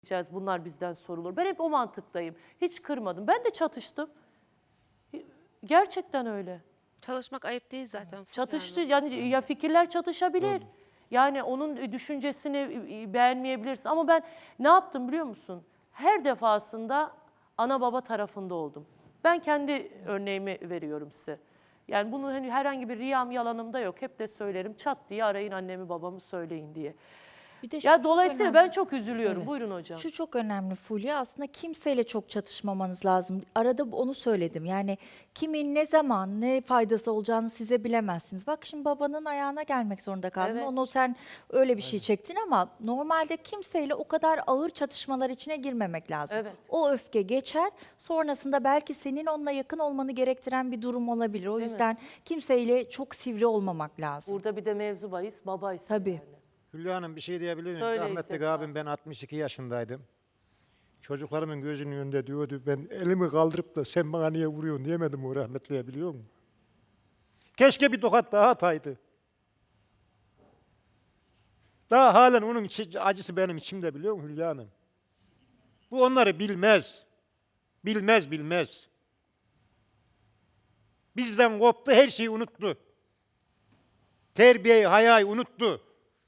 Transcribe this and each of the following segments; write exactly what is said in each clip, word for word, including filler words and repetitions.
bunlar bizden sorulur. Ben hep o mantıktayım. Hiç kırmadım. Ben de çatıştım. Gerçekten öyle. Çalışmak ayıp değil zaten. Çatıştı yani ya fikirler çatışabilir. Doğru. Yani onun düşüncesini beğenmeyebilirsin ama ben ne yaptım biliyor musun? Her defasında ana baba tarafında oldum. Ben kendi örneğimi veriyorum size. Yani bunun hani herhangi bir riyam yalanım da yok. Hep de söylerim çat diye arayın annemi babamı söyleyin diye. Bir de şu Ya dolayısıyla önemli. ben çok üzülüyorum. Evet. Buyurun hocam. Şu çok önemli Fulya. Aslında kimseyle çok çatışmamanız lazım. Arada onu söyledim. Yani kimin ne zaman ne faydası olacağını size bilemezsiniz. Bak şimdi babanın ayağına gelmek zorunda kaldın. Evet. Onu sen öyle bir şey çektin ama normalde kimseyle o kadar ağır çatışmalar içine girmemek lazım. Evet. O öfke geçer. Sonrasında belki senin onunla yakın olmanı gerektiren bir durum olabilir. O Değil yüzden kimseyle çok sivri olmamak lazım. Burada bir de mevzu bahis baba isim Tabii. yani. Hülya Hanım bir şey diyebilir miyim? Söyle Rahmetli İzzet abim ben altmış iki yaşındaydım. Çocuklarımın gözünün önünde diyordu ben elimi kaldırıp da sen bana niye vuruyorsun diyemedim o rahmetliye biliyor musun? Keşke bir tokat daha ataydı. Daha halen onun içi, acısı benim içimde biliyor musun Hülya Hanım? Bu onları bilmez. Bilmez bilmez. Bizden koptu her şeyi unuttu. Terbiyeyi, hayayı unuttu.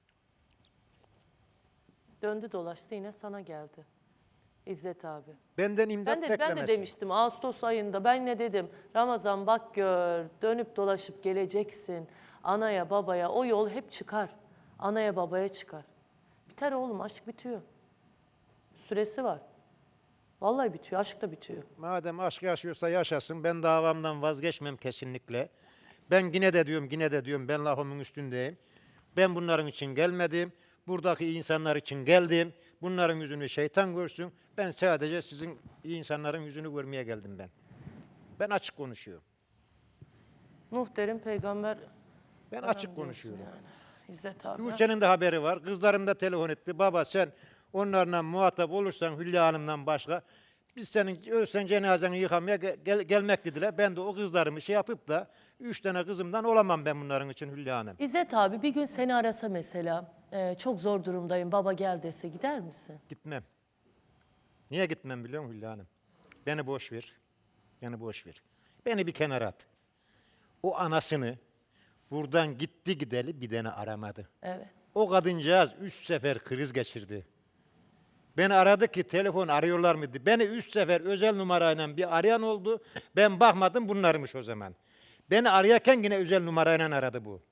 Döndü dolaştı yine sana geldi. İzzet abi. Benden imdat Ben de, ben de beklemesin. demiştim Ağustos ayında ben ne dedim? Ramazan bak gör dönüp dolaşıp geleceksin. Anaya babaya o yol hep çıkar. Anaya babaya çıkar. Biter oğlum aşk bitiyor. Süresi var. Vallahi bitiyor aşk da bitiyor. Madem aşk yaşıyorsa yaşasın. Ben davamdan vazgeçmem kesinlikle. Ben yine de diyorum, yine de diyorum ben lafımın üstündeyim. Ben bunların için gelmedim. Buradaki insanlar için geldim. Bunların yüzünü şeytan görsün. Ben sadece sizin insanların yüzünü görmeye geldim ben. Ben açık konuşuyorum. Nuh derim peygamber. Ben açık konuşuyorum. Yani. İzzet abi. Tuğçe'nin de haberi var. Kızlarım da telefon etti. Baba sen onlarla muhatap olursan Hülya Hanım'dan başka biz senin ölsen cenazeni yıkamaya gel, gelmek dediler. Ben de o kızlarımı şey yapıp da üç tane kızımdan olamam ben bunların için Hülya Hanım. İzzet abi bir gün seni arasa mesela e, çok zor durumdayım baba gel dese gider misin? Gitmem. Niye gitmem biliyor musun Hülya Hanım? Beni boş ver. Beni boş ver. Beni bir kenara at. O anasını buradan gitti gideli bir tane aramadı. Evet. O kadıncağız üç sefer kriz geçirdi. Beni aradı ki telefon arıyorlar mıydı? Beni üç sefer özel numarayla bir arayan oldu. Ben bakmadım bunlarmış o zaman. Beni arayarken yine özel numarayla aradı bu.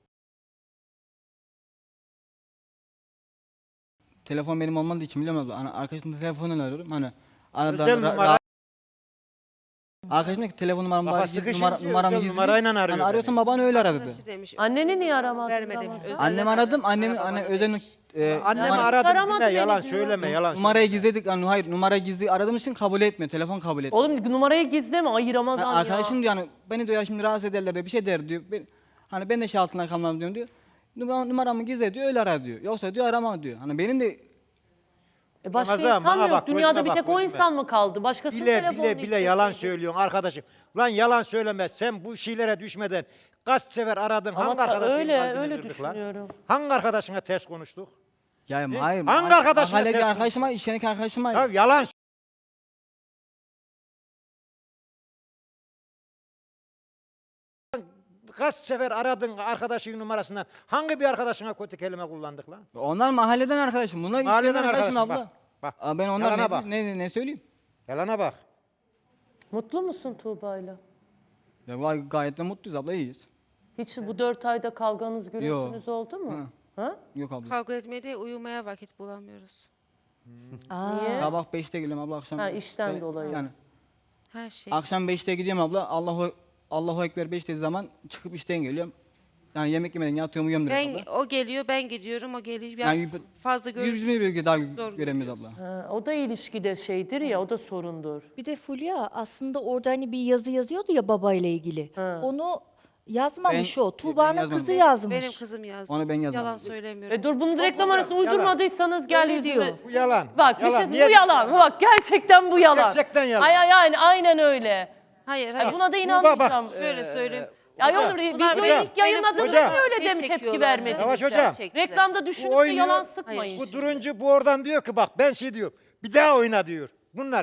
Telefon benim olmadığı için biliyor musun? Hani arkadaşımın telefonunu arıyorum. Hani arada Özel ra- numara. ra- arkadaşımdaki telefon numaram Baba var. Gizli sıkışınca numara, numaram özel gizli. numarayla arıyor Hani arıyorsan beni. baban öyle aradı. Arkadaşı demiş. Anneni niye aramadın? Vermedim. Ramazan? Özel- Annem aradım. Annem Babanı anne demiş. özel e, Annemi Yani aradım aramadı deme beni yalan diyor. söyleme yalan numarayı söyleme. gizledik. Yani hayır numarayı gizli aradığım için kabul etmiyor. Telefon kabul etmiyor. Oğlum numarayı gizleme ay Ramazan Yani ya. arkadaşım diyor yani beni diyor şimdi rahatsız ederler diyor. Bir şey der diyor. Ben, hani ben de şey altına kalmam diyorum diyor. Numara, numaramı gizle diyor öyle arar diyor. Yoksa diyor arama diyor. Hani benim de E başka Ramazan, insan bana mı yok? bak, Dünyada gözüme bir bak, tek o gözüme. insan mı kaldı? Başkasının Bile telefonunu bile bile yalan isteseydi. söylüyorsun arkadaşım. Lan yalan söyleme sen bu şeylere düşmeden kaç sefer aradın Ama hangi ta- arkadaşın öyle, kalbini öyle kırdık lan? düşünüyorum. Hangi arkadaşına ters konuştuk? ya Ne? hayır. Hangi mahalle- arkadaşına mahalledeki telefon- arkadaşıma, iş yerindeki arkadaşıma. Ya yalan kaç sefer aradın arkadaşın numarasından hangi bir arkadaşına kötü kelime kullandık lan? Onlar mahalleden arkadaşım. Bunlar Mahalleden işlerden arkadaşım arkadaşım, abla. bak, bak. Aa, ben onlar Yalana ne, bak. ne, ne, ne söyleyeyim? Yalana bak. Mutlu musun Tuğba'yla? Ya vay, gayet de mutluyuz abla iyiyiz. Hiç bu dört ayda kavganız, gürültünüz oldu mu? Hı. Ha? Yok abla. Kavga etmeye değil uyumaya vakit bulamıyoruz. Aa, Niye? Sabah beşte geliyorum abla akşam. Ha, işten e, dolayı. Yani Her şey. akşam beşte gidiyorum abla. Allahu Allahu Ekber beş dediği zaman çıkıp işten geliyorum. Yani yemek yemeden yatıyorum uyuyorum direkt Ben abla. o geliyor, ben gidiyorum, o geliyor. Ben Yani fazla Yüz görüş. yüze bir daha Zor göremiyoruz abla. Ha, o da ilişkide şeydir ya, o da sorundur. bir de Fulya aslında orada hani bir yazı yazıyordu ya babayla ilgili. Ha. Onu yazmamış Ben- o. ben Tuğba'nın yazmadım. kızı yazmış. Benim kızım yazdı. Onu ben yazmadım. Yalan söylemiyorum. E dur bunu reklam arası uydurmadıysanız gel Öyle yüzüme. diyor. Bu yalan. Bak yalan. bir şey, Niye- bu yalan. Bak gerçekten bu yalan. Gerçekten yalan. Ay, ay, aynen, aynen öyle. Hayır, Ay, hayır. buna da Tuğba inanmayacağım. bak, Şöyle Ee, söyleyeyim. Ay Hocam, olur, Bunlar videoyu benim- ilk yayınladığınızda Hocam. niye öyle Şey dem tepki çekiyorlardı. vermediniz? Yavaş hocam. Çektiler. Reklamda düşünüp de oynuyor. yalan sıkmayın. Hayır. Bu duruncu bu oradan diyor ki bak ben şey diyorum. Bir daha oyna diyor. Bunlar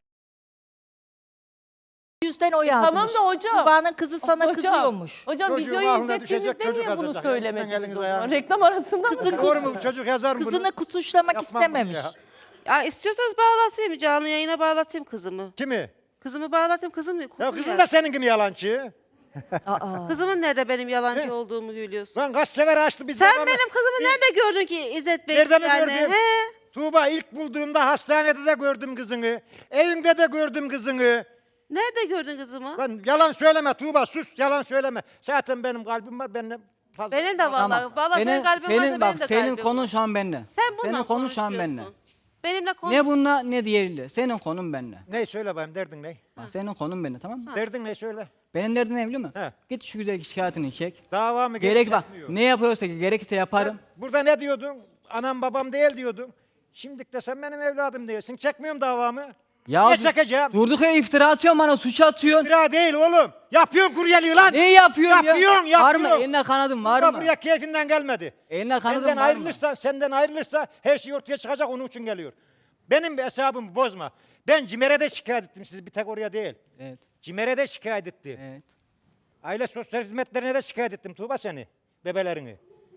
Yüzden o yazmış. Tamam da hocam. Tuğba'nın kızı sana Hocam, kızıyormuş. Hocam Çocuğun videoyu aklına düşecek izlettiğinizde çocuk niye bunu yazacak. söylemediniz Eliniz o zaman? ayağınız. Reklam arasında mı? Doğru mu? Çocuk yazar mı bunu? Kızını kusuşlamak Yapmam bunu istememiş. ya. Ya istiyorsanız bağlatayım. Canlı yayına bağlatayım kızımı. Kimi? Kızımı bağlatayım. Kızım, Ya kuzum kızın ya. da senin gibi yalancı. Aa. Kızımın nerede benim yalancı He? olduğumu biliyorsun? Lan kaç sefer açtı biz. Sen babamı. benim kızımı nerede gördün ki İzzet Bey? Nerede mi yani? gördüm? He? Tuğba ilk bulduğumda hastanede de gördüm kızını. Evimde de gördüm kızını. Nerede gördün kızımı? Lan yalan söyleme Tuğba, sus, yalan söyleme. Zaten benim kalbim var, benimle fazla. Benim de vallahi. Vallahi senin, kalbin senin, varsa bak, benim de senin kalbim konun var. şu an benimle. Sen bununla Senin konun şu an benimle. konuşuyorsun. Benimle konuş. Ne bununla ne diğeriyle. Senin konun benimle. Ne söyle bayım, derdin ne? Bak, senin konun benimle, tamam mı? Derdin ne söyle. Benim derdim ne biliyor musun? He. Git şu güzel şikayetini çek. Dava mı Gerek bak. çekmiyor? Ne yapıyorsa ki gerekirse yaparım. Burada ne diyordun? Anam babam değil diyordun. Şimdi de sen benim evladım değilsin. Çekmiyorum davamı. Ya Niye dur- çekeceğim? Durduk ya iftira atıyorsun bana, suç atıyorsun. İftira değil oğlum. Yapıyorsun kuryeliği lan. Ne yapıyorsun ya? Yapıyorsun, Var mı? yapıyorsun. Eline kanadın var Tuğba mı? buraya keyfinden gelmedi. Eline kanadın Senden var mı? ayrılırsa, senden ayrılırsa her şey ortaya çıkacak, onun için geliyor. Benim bir hesabımı bozma. Ben Cimer'e şikayet ettim sizi, bir tek oraya değil. Evet. Cimer'e şikayet etti. Evet. Aile sosyal hizmetlerine de şikayet ettim Tuğba seni, bebelerini.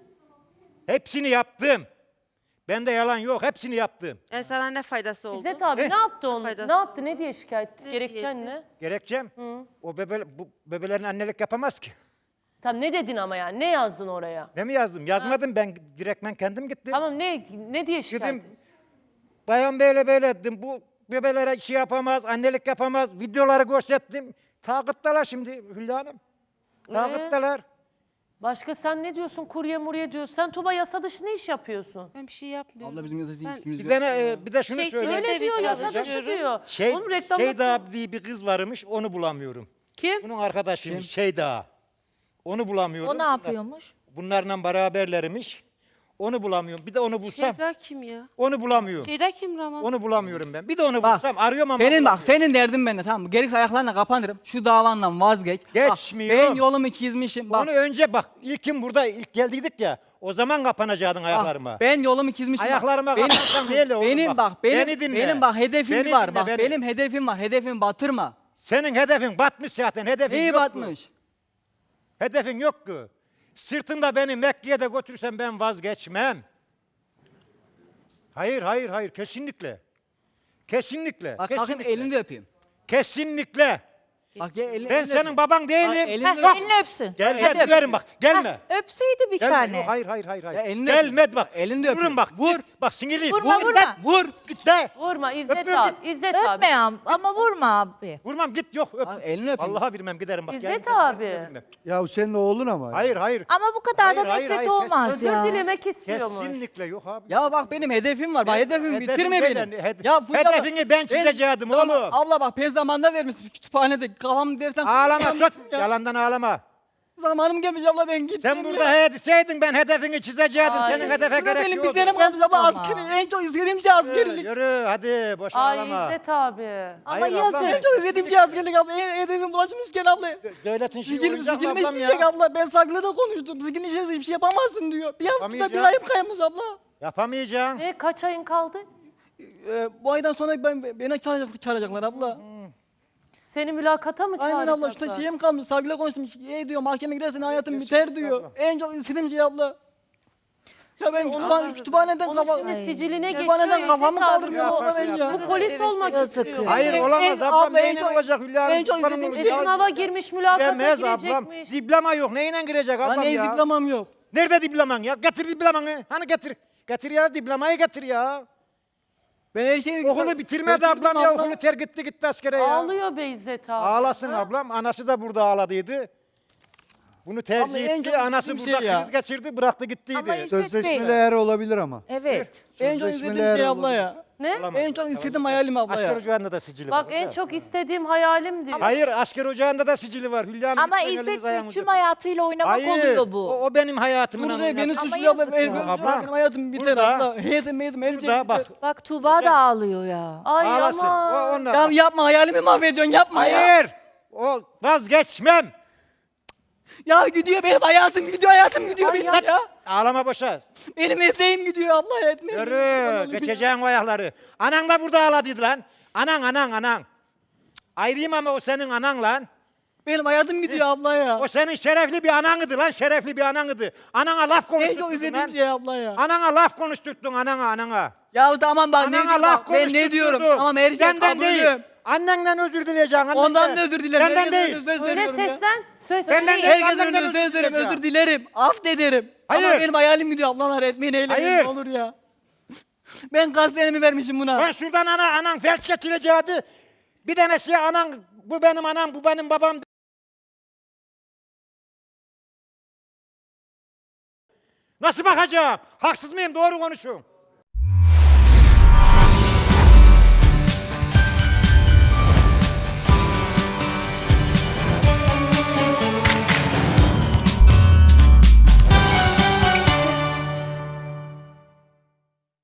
Hepsini yaptım. Bende yalan yok, hepsini yaptım. E sana ne faydası oldu? İzzet abi Ne? ne yaptı onu? Faydası. Ne yaptı? Ne diye şikayet etti? Ne Gerekçen diyetti? ne? Gerekçem, o bebe, bu bebelerin annelik yapamaz ki. Tamam ne dedin ama yani? Ne yazdın oraya? Ne mi yazdım? Yazmadım ben, direktmen kendim gittim. Tamam ne ne diye şikayet Dedim, ettin? bayan böyle böyle dedim, bu bebelere şey yapamaz, annelik yapamaz, videoları gösterdim. Takipteler şimdi Hülya Hanım. Takipteler. Başka sen ne diyorsun? Kurye murye diyorsun. Sen Tuba yasa dışı ne iş yapıyorsun? Ben bir şey yapmıyorum. Abla bizim yazıcı Ben- işimiz Bir yok. tane, e, bir de şunu Şey, söyleyeyim. Öyle Öyle bir diyor yasa çalışıyorum. dışı diyor. Şey, Oğlum reklamda Şeyda diye bir kız varmış, onu bulamıyorum. Kim? Bunun arkadaşıymış Şeyda. Onu bulamıyorum. O ne yapıyormuş? Bunlarla beraberlermiş. Onu bulamıyorum. Bir de onu bulsam, Şeyda kim ya? onu bulamıyorum. Şeyda kim Ramazan? Onu bulamıyorum ben. Bir de onu Bak, bulsam, arıyorum ama Senin bak, bulamıyorum. senin derdin benimle, tamam mı? Gerekirse ayaklarına kapanırım. Şu davandan vazgeç. Bak, Geçmiyorum. ben yolumu çizmişim. Bak, Onu önce bak, ilkim burada, ilk geldiydik ya, o zaman kapanacaktın ayaklarıma. bak, ben yolumu çizmişim. bak. Ayaklarıma benim, kapansan değil de oğlum benim bak. bak, benim, Beni dinle. benim bak hedefim Beni var. dinle, Bak beni. benim hedefim var. Hedefimi batırma. Senin hedefin batmış zaten, hedefin Neyi yok ki. batmış? Hedefin yok ki. Sırtında beni Mekke'ye de götürsen ben vazgeçmem. Hayır, hayır, hayır, kesinlikle. Kesinlikle, Bak kalkayım kesinlikle. elini de öpeyim. Kesinlikle. Bak gel elini, Ben elini senin öpeyim. baban değilim. Bak, elini Heh, öp. Bak, elini öpsün. Gel, Hadi gel, öp. verin bak, gelme. Heh, öpseydi bir Gelme. tane. Yok, hayır, hayır, hayır, hayır. Ya elini Gelme öpeyim. bak. Elini de Vurun öpeyim. bak, Vur. vur. Bak sinirliyim. Vurma, vur, vurma. Git, vur, git de. Vurma İzzet Öpüyorum, abi. İzzet abi. Öpme ya, ama vurma abi. Vurmam, git, yok, öp. Bak, elini öpeyim. Allah'a vermem, giderim bak. İzzet gelin, abi. gelin, Ya senin oğlun ama. Hayır, hayır. Ama bu kadar da Hayır, hayır, nefret hayır, olmaz Özür ya. dilemek istiyormuş. Kesinlikle yok abi. Ya bak benim hedefim var. Bak hedefimi Hedefin bitirme değil, beni. hed- ya Fulya, hedefini ben çizeceğim Tamam, oğlum. Abla bak pez zamanında vermişsin kütüphanede. Kafamı dersen. Ağlama, sus. Ya. Yalandan ağlama. Zamanım gelmiş abla, ben gittim. Sen burada he deseydin ben hedefini çizecektim. Ay. Senin hedefe Şurada gerek benim yok. bir senem kaldı Yazık abla, ama. askeri. En çok istediğim şey Yürü, askerlik. yürü hadi boş Ay ağlama. İzzet abi. Ama Hayır yazık. ablam, En çok istediğim şey askerlik abla. En hedefim bulaşmışken abla. Devletin şeyi Sigilim olacak sigilimi ablam isteyecek ya. abla. Ben saklı da konuştum. Sigilin içerisinde hiçbir şey yapamazsın diyor. Bir haftada bir Yapamayacağım. ayım kaymış abla. Yapamayacaksın. Ne kaç ayın kaldı? Ee, bu aydan sonra ben, beni çağıracak, çağıracaklar abla. Seni mülakata mı Aynen çağıracaklar? abla, işte şeyim kalmış. Savcıyla konuştum. E diyor, mahkeme girersen hayatım biter diyor. En çok istediğim şey abla. Ya ben kütüphane, kütüphaneden Onun kafa... şimdi siciline geçiyor. Kütüphaneden İzzet kafamı abi. kaldırmıyor abla Yaparsın, bence. yaparsın. Bu polis olmak Yazık istiyor. ya. Hayır En- olamaz en- ablam. abla, en Neyle çok- olacak Hülya Hanım? en çok Kurban istediğim olayım şey- ya. Sınava girmiş mülakata Giremez ablam. girecekmiş. Diploma yok. Neyle girecek ablam Lan ne ya? diplomam yok. Nerede diploman ya? Getir diplomanı. Hani getir. Getir ya, diplomayı getir ya. Ben her şeyi... Okulu bitirmedi Götürdüm ablam ya. abla. Okulu terk etti gitti askere ya. Ağlıyor be İzzet abi. Ağlasın Ha? ablam. Anası da burada ağladıydı. Bunu tercih Abla, en etti. çok Anası istediğim burada şey ya. kriz geçirdi. Bıraktı gittiydi. Ama İzzet Sözleşmeli Bey. eğer olabilir ama. Evet. En çok istediğim Sözleşmeler şey abla olur. ya. Ne? Olamaz. En çok istediğim hayalim abla Asker ya. ocağında da sicili Bak var. en çok istediğim hayalim diyor. Hayır, asker ocağında da sicili var. Hülya Hanım, Ama lütfen İzzet elinizi Bey ayağınızı tüm öpün. hayatıyla oynamak Hayır, oluyor bu. O, o benim hayatımın Burada anlamı. beni Ama suçluyor abla. yazık Benim, ya. benim hayatım biter Burada- abla. Hayatım hayatım her şey Burada bak. biter. Bak Tuğba da ağlıyor ya. Ay Ağlasın. ama. O, onlar. Ya yapma, hayalimi mahvediyorsun, yapma ya. Hayır. O vazgeçmem. Ya gidiyor benim hayatım gidiyor hayatım gidiyor Ay benim yap- ya. Ağlama boşa. Benim mesleğim gidiyor abla etmeyin. Yürü, geçeceğin o ayakları. Anan da burada ağladıydı lan. Anan, anan, anan. Cık, ayrıyım ama o senin anan lan. Benim hayatım gidiyor abla ya. O senin şerefli bir ananıdı lan, şerefli bir ananıdı. Anana laf En konuşturttun çok izlediğim lan. şey abla ya. Anana laf konuşturttun, anana, anana. Ya tamam bak ne Anana diyorum laf bak, ben ne diyorum konuşturttun. tamam her şey Senden değil. kabulüm. Annenden özür dileyeceksin. Annenden. Ondan da özür dilerim. Benden Herkesin değil. önünde söz Öyle veriyorum ya. seslen. Söz Benden değil. değil. Herkesin Annenden önünde söz özür veririm, dileyeceğim. özür dilerim. Affederim. Hayır. Ama benim hayalim gidiyor ablalar etmeyin eylemeyin Hayır. ne olur ya. Ben gazetemi vermişim buna. Ben şuradan ana, anan felç geçireceğiydi. Bir tane şey anan, bu benim anam, bu benim babam. Nasıl bakacağım? Haksız mıyım? Doğru konuşun.